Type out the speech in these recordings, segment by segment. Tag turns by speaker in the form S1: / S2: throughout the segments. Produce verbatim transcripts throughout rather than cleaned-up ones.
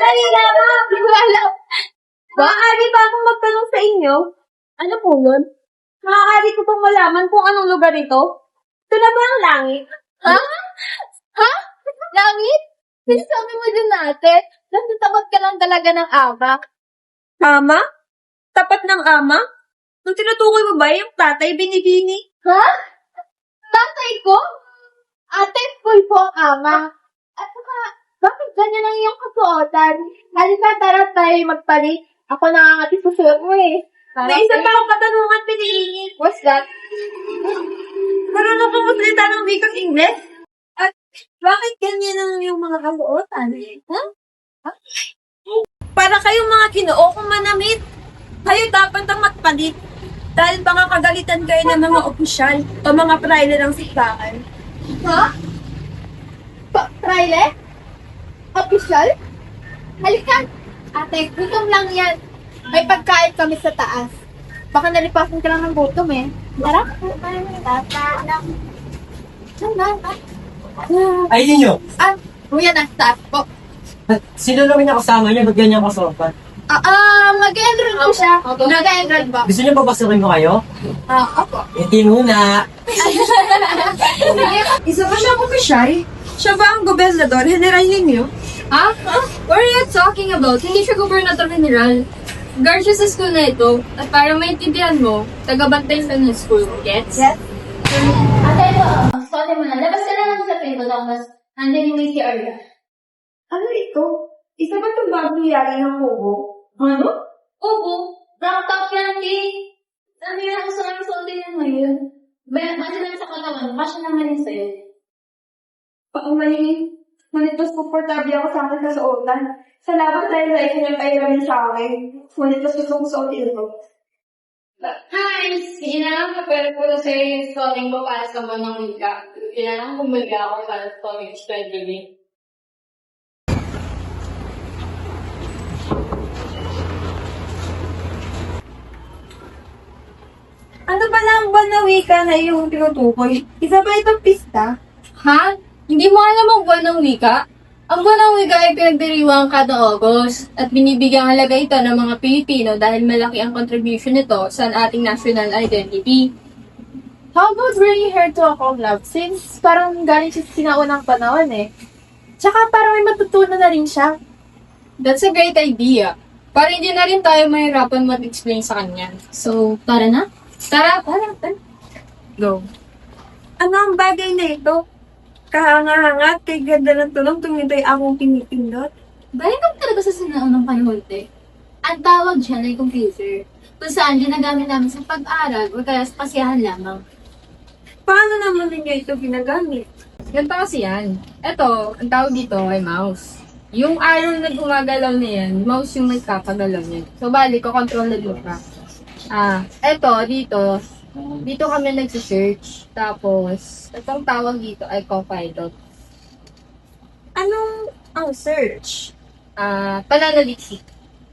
S1: Dali lamang! Wala. Maaari ba akong magtanong sa inyo? Ano po yun? Maaari ko pong malaman kung anong lugar ito? Ito na ba ang langit?
S2: Ha? Ha? Langit? Sinasabi mo din natin, natatakot ka lang talaga ng ama.
S1: Ama? Tapat ng ama? Nung tinutukoy mo ba yung tatay binibini?
S2: Ha? Tatay ko? Ate, full po ang ama. At saka, bakit ganyan ang iyong kasuotan? Halika, tara tayo magpalit. Ako nangangati sa suot mo eh.
S1: May isa pa akong katanungan piniingit.
S2: What's that?
S1: Marunong kang magsalita ng wikang Ingles? At bakit ganyan ang yung mga kaluotan? Huh? Huh? Para kayong mga kinoo kung manamit. Kayo dapat ang magpalit. Dahil baka kagalitan kayo ng mga opisyal o mga praile ng sikbakan.
S2: Ha? Pa- Trailer? Official? Halika. Ate, gutom lang yan. May pagkain kami sa taas. Baka nalipasan ka lang ng gutom eh. Tara. Tata lang.
S3: Ay, yun yun.
S2: Ah, kuya na, taas po.
S3: Sino namin nakasama niya? Ba't ganyan kasopan?
S2: Ah, ah, mag-enroll po siya. Nag-enroll ba?
S3: Gusto niyo papasukin ko kayo?
S2: Ah, opo.
S3: Hindi muna.
S1: Isa ba siyang opisyal? Siya ba ang gobernador, general ninyo?
S4: Ha? What are you talking about? Hindi siya gobernador general. Guard siya sa school na ito. At para maintindihan mo, taga-bantay sa ng school. Gets?
S1: Yes.
S2: Ate, ito. Sorry mo na. Labas ka na lang sa pinto. Tapos, andyan yung may C R na.
S1: Ano ito? Isa ba itong bagong yari ng kubo? Ano?
S2: Oo. Brown top yan, eh. Ano yan? Gusto namin suotin yan ngayon. Bayan, kasi naman sa katawan. Kasya naman yun sa'yo.
S1: Paumali. Ngunit mas komportable ako sa akin sa suotan. Sa labas dahil sa inyo yung pairamin sa akin. Ngunit mas gusto kong suotin ito.
S4: Hi! Kailangan ka pero po sa yung scoring mo para sa banang wika. Kailangan bumili ako para sa scoring strategy.
S1: Ano ba lang ba na wika na iyong tinutukoy? Isa ba itong pista?
S4: Ha? Hindi mo alam ang buwan ng wika? Ang buwan ng wika ay pinagdiriwang kada August at binibigyang halaga ito ng mga Pilipino dahil malaki ang contribution nito sa ating national identity.
S2: How about bringing her to a collab? Since parang galing siya sa sinaunang panahon eh. Tsaka parang may matutunan na rin siya.
S4: That's a great idea. Para hindi na rin tayo mahirapan mag-explain sa kanya. So, tara na? Tara, tara, tara. Go.
S1: Ano ang bagay na ito? Kahanga-hanga, kay ganda ng tulong tuwing ito'y akong pinipindot.
S2: Balikan talaga sa sinaunang panahon eh. Ang tawag dyan ay computer. Kung saan ginagamit namin sa pag-aral o kaya sa kasiyahan lamang.
S1: Paano naman ninyo ito ginagamit?
S4: Ganito kasi yan. Ito, ang tawag dito ay mouse. Yung arrow na gumagalaw na yan, mouse yung nagkakagalaw niyan. So, bali, ko-control na dito ka. Ah, eto, dito, dito kami nagsisearch. Tapos, itong tawag dito ay Copilot.
S1: Anong ang search?
S4: Ah, pananaliksik.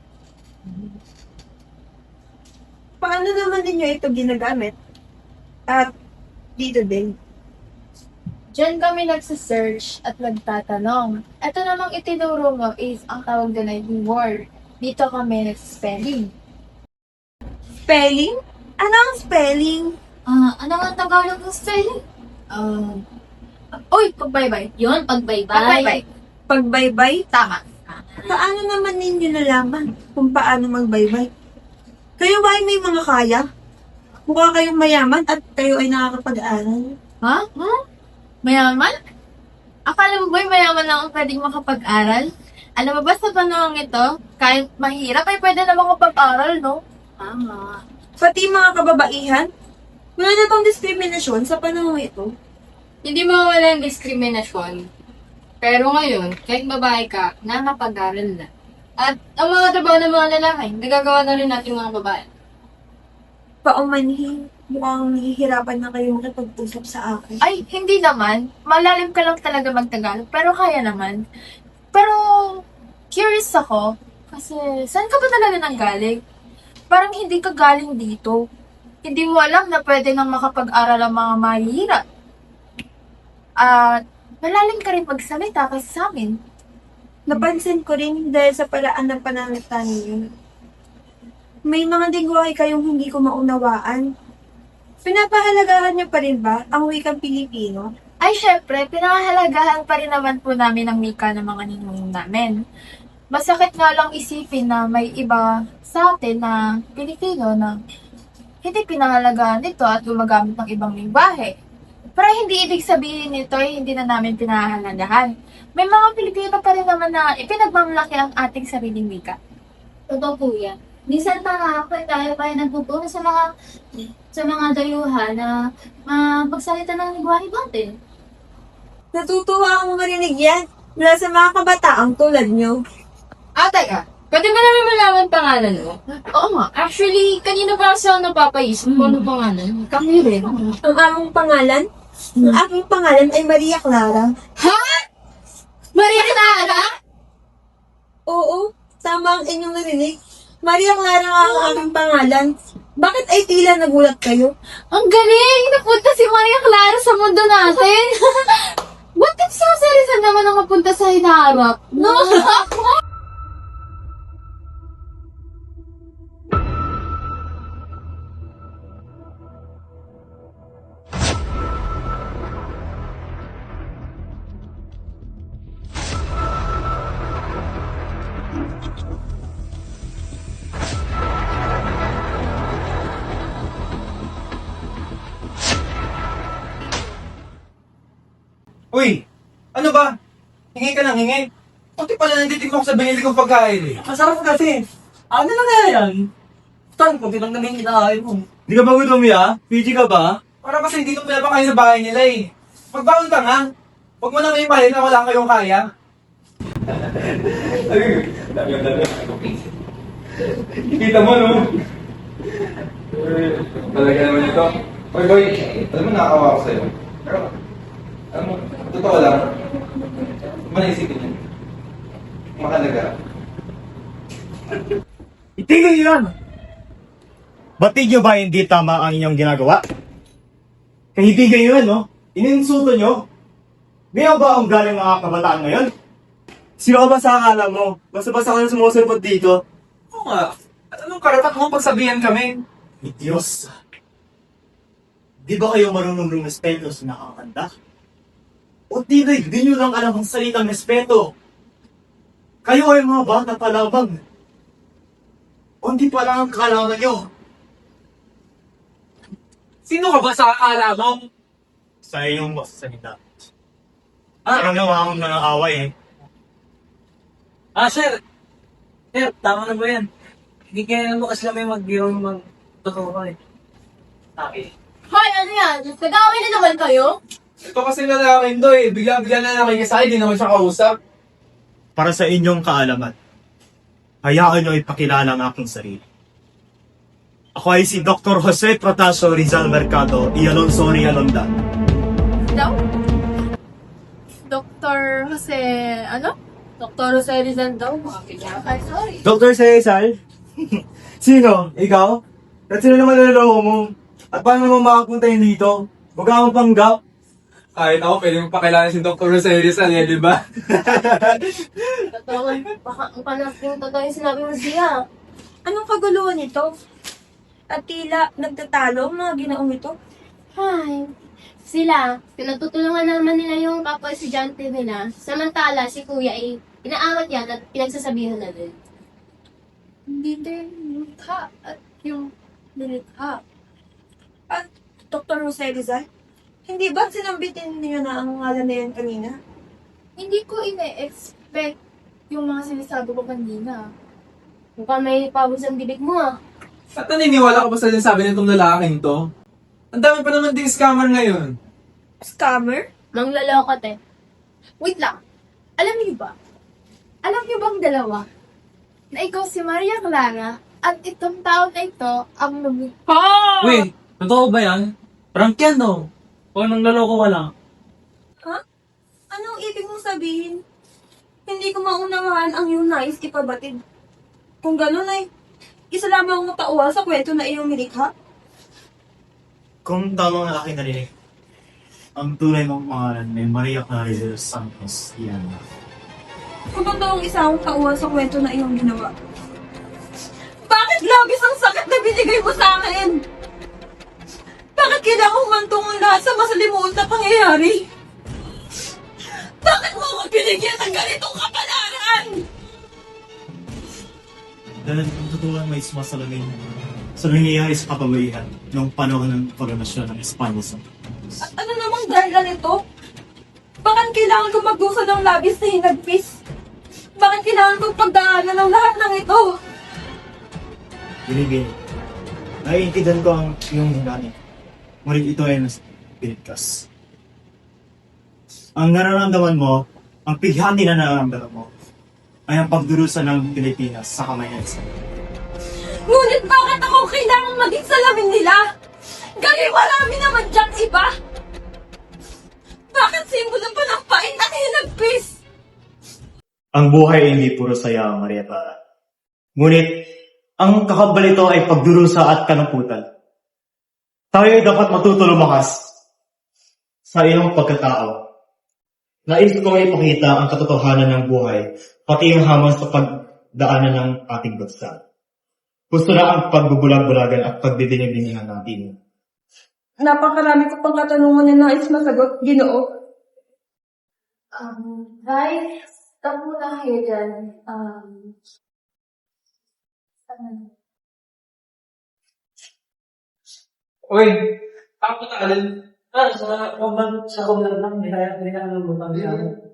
S1: Paano naman ninyo ito ginagamit? At dito din.
S2: Diyan kami nagsisearch at nagtatanong. Ito namang itinuro mo is ang tawag doon ay word. Dito kami nagsispelling.
S1: Spelling? Ano ang spelling?
S2: Ah, ano nga ang Tagalog ng spelling? Um, uy, pagbaybay. Yun, pagbaybay.
S1: Pagbaybay. Pagbaybay?
S2: Tama.
S1: Paano naman ninyo nalaman kung paano magbaybay? Kayo ba ay may mga kaya? Mukha kayong mayaman at kayo ay nakakapag-aral.
S2: Ha? Huh? Mayaman? Akala mo ba'y mayaman lang ang pwedeng makapag-aral? Alam mo ba sa panahon ito, kahit mahirap ay pwede na makapag-aral, no? Tama.
S1: Pati mga kababaihan? Wala na tong diskriminasyon sa panahon ito.
S4: Hindi mawawala yung diskriminasyon. Pero ngayon, kahit babae ka, nakapag-aral na. At ang mga trabaho ng mga lalaki, nagagawa na rin natin mga babae.
S1: Paumanhin, mukhang nahihirapan na kayo makipag-usap sa akin.
S2: Ay, hindi naman. Malalim ka lang talaga magtagalog, pero kaya naman. Pero, curious ako, kasi saan ka ba talaga nanggaling? Parang hindi ka galing dito. Hindi mo alam na pwede nang makapag-aral ang mga mahihirap. At, malalim ka rin magsalita kasi sa amin.
S1: Napansin ko rin dahil sa paraan ng pananalita ninyo. May mga lingwahe kayong hindi ko maunawaan. Pinapahalagahan niyo pa rin ba ang wikang Pilipino?
S2: Ay, syempre, pinahahalagahan pa rin naman po namin ang wika ng mga ninuno namin. Masakit nga lang isipin na may iba sa atin na Pilipino na hindi pinahalagahan ito at gumagamit ng ibang lingwahe. Pero hindi ibig sabihin nito ay hindi na namin pinahahalagahan. May mga Pilipino pa rin naman na ipinagmamalaki ang ating sariling wika.
S5: Totoo po yan. Minsan nakakapag tayo pa yung nagpupuno sa mga sa mga dayuhan na mapagsalita ng lingwahe natin.
S1: Natutuwa akong marinig yan mula sa mga kabataang tulad niyo.
S4: Ah, teka. Pwede ba namin malaman pangalan mo?
S2: Oo nga.
S4: Actually, kanina pa kasi ako napapaisip kung ano pangalan.
S2: Kami rin.
S1: Ang aming pangalan? Ang aking pangalan ay Maria Clara.
S2: Maria Clara?
S1: Oo, tama ang inyong narinig. Maria Clara nga ang aming pangalan. Bakit ay tila nagulat kayo?
S2: Ang galing! Napunta si Maria Clara sa mundo natin! What if si Jose Rizal naman ang napunta sa hinaharap? No?
S6: Uy, ano ba? Hingi ka ng hingi. Kunti pala nanditin mo ako sa binili kong pagkain eh.
S3: Masarap kasi. Ano na nga yan? Tan, kung tinang namin kinakain mo.
S6: Hindi ka ba gutom ya? P G ka ba? Para kasi hindi ko pinapakain sa bahay nila eh. Magbaon ka nga. Huwag mo na may ipahin na wala kayong kaya. Kita mo no? Talaga naman ito. Boy, boy, alam mo nakakawa ako sa'yo. Pero, alam mo, totoo lang. Huwag mo naisipin yun. Mahalaga.
S7: Itigil niyo yan! Batid niyo ba hindi tama ang inyong ginagawa? Kaibigan niyo yan, no? Ininsulto niyo? Ngayon ba ang galing mga kabataan ngayon?
S8: Sino ka ba sa akala mo? Basta-basta ka na sumusulpot dito.
S6: Oo nga. At anong karapat mo pagsabihan kami?
S7: Ni Diyos. Di ba kayo marunong rumispeto sa nakakanta? O di ba hindi niyo lang alam ang salitang respeto? Kayo ay mga bata pa lamang. O hindi pa lang ang kalaman niyo.
S6: Sino ka ba sa akala mo?
S7: Sa iyong salita. Ah, ano naman akong nangaaway eh.
S3: Ah, sir. Sir, tama na ba yan? Hindi kaya naman kasi kami mag-yung mag-totoo ka eh. Sabi.
S2: Hoy, ano yan? Nag-away na naman kayo?
S6: Ito kasi lalaking to eh. Bigla-bigla na nakikisay, di naman siya kausap.
S7: Para sa inyong kaalaman, hayaan nyo ipakilala ang aking sarili. Ako ay si Doctor Jose Protasio Rizal Mercado y Alonso Rialonda.
S2: Daw? Doctor Jose, ano?
S4: Doktor Jose Rizal daw.
S2: Ay, sorry.
S8: Doctor Cesar? Sino? Ikaw? At sino naman naloloko mo? At paano mo makapunta yun dito? Huwag ka akong panggap.
S6: Kahit ako, pwede mo pakilala si Doctor Jose Rizal eh, di ba?
S5: Totoo nga. Baka ang panas yung totoo yung sinabi mo siya.
S1: Anong kaguluhan ito? At tila nagtatalo ang mga ginaong ito?
S5: Ay, sila, pinagtutulungan naman nila yung kapwa estudyante nila. Samantala, si kuya ay inaawat yan at pinagsasabihan na din.
S2: Hindi din nilikha at yung nilikha.
S1: At Doktor Jose Rizal? Hindi ba sinambitin niyo na ang ngalan na yan kanina?
S2: Hindi ko ine-expect yung mga sinasabi ko kanina.
S5: Mukhang may pawis ang bibig mo ah.
S6: At naniniwala ka ba sa sinasabi nitong lalaking to? Ang dami pa naman ding scammer ngayon.
S1: Scammer?
S5: Mangloloko te.
S2: Wait lang. Alam niyo ba? Alam niyo bang dalawa? Na ikaw si Maria Clara at itong tao na ito ang lumikha.
S3: Wait, totoo ba yan? Prank yan no? O nang laloko ka lang?
S1: Ha? Anong ibig mong sabihin? Hindi ko maunawaan ang iyong nais ipabatid. Kung gano'n ay, isa lamang ang tauhan sa kwento na iyong nilikha.
S7: Kung tama ang aking narinig, ang tunay mong pangalan ay Maria Clara de los Santos Iana.
S1: Kung totoong isa akong kauha sa kwento na iyong ginawa. Bakit labis ang sakit na binigay mo sa akin? Bakit kailangan humantong ang lahat sa masalimuot na pangyayari? Bakit mo ako binigyan ng ganitong kapalaran?
S7: Dahil kung totoo may sumasalamin sa nangyayari sa kababaihan noong panahon ng koronasyon ng Espanya sa
S1: At ano namang dahilan nito? Bakit kailangan ko magdusa ng labis na hinagpis? Bakit kailangan kong pagdaanan ng lahat ng ito?
S7: Binibini. Naiintindihan ko ang iyong hinanin. Ngunit ito ay mas pinigkas. Ang nararamdaman mo, ang pighati na nararamdaman mo, ay ang pagdurusa ng Pilipinas sa kamay ng isa.
S1: Ngunit bakit ako kailangan maging salamin nila? Gagi marami naman dyan iba! Bakit simbolo pa ng pain at hinagpis?
S7: Ang buhay ay hindi puro saya, Maria Clara. Ngunit, ang kakabalito ay pagdurusa at kanamputan. Tayo ay dapat matuto lumakas sa iyong pagkatao. Nais ko may ipakita ang katotohanan ng buhay, pati yung hamon sa pagdaanan ng ating bansa. Gusto na ang pagbubulag-bulagan at pagdidinig-dinihan natin.
S1: Napakarami ko pang katanungan na nais masagot, Ginoo.
S2: Um, guys, stop muna kayo dyan. Um, ano?
S3: Uy, ako na alin. Ah, sa kumban, sa kumban lang, hindi kaya, hindi kaya nabutang siya.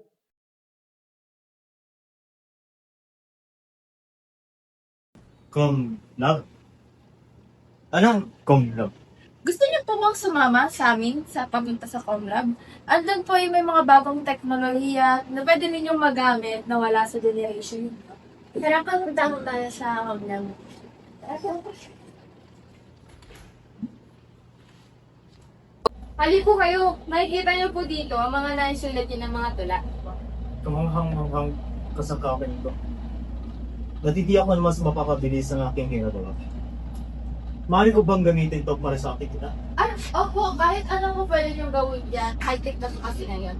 S7: Kung love? Anong kung love?
S2: Gusto niyo po bang sumama sa amin sa papunta sa Comlab? Andun po ay may mga bagong teknolohiya na pwede ninyong magamit na wala sa generation.
S5: Tara, papunta ko tayo sa Comlab.
S4: Hali po kayo, makikita niyo po dito ang mga naisulat niyo ng mga tula.
S7: Kamanghang-manghang kasangkapan ito. Natiti ako naman sa mapapabilis ng aking ginagawa. Maaari ko bang gamitin ito para sa aking kita?
S2: Ah, opo, kahit ano mo pwede niyong gawin dyan. High-tech na po kasi ngayon.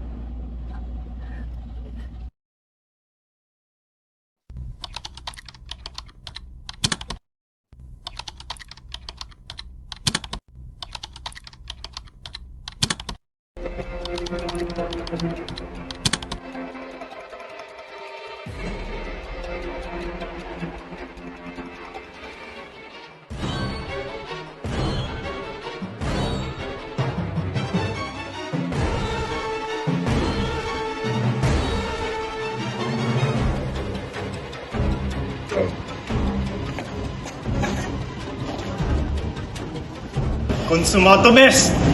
S7: Consumato mes!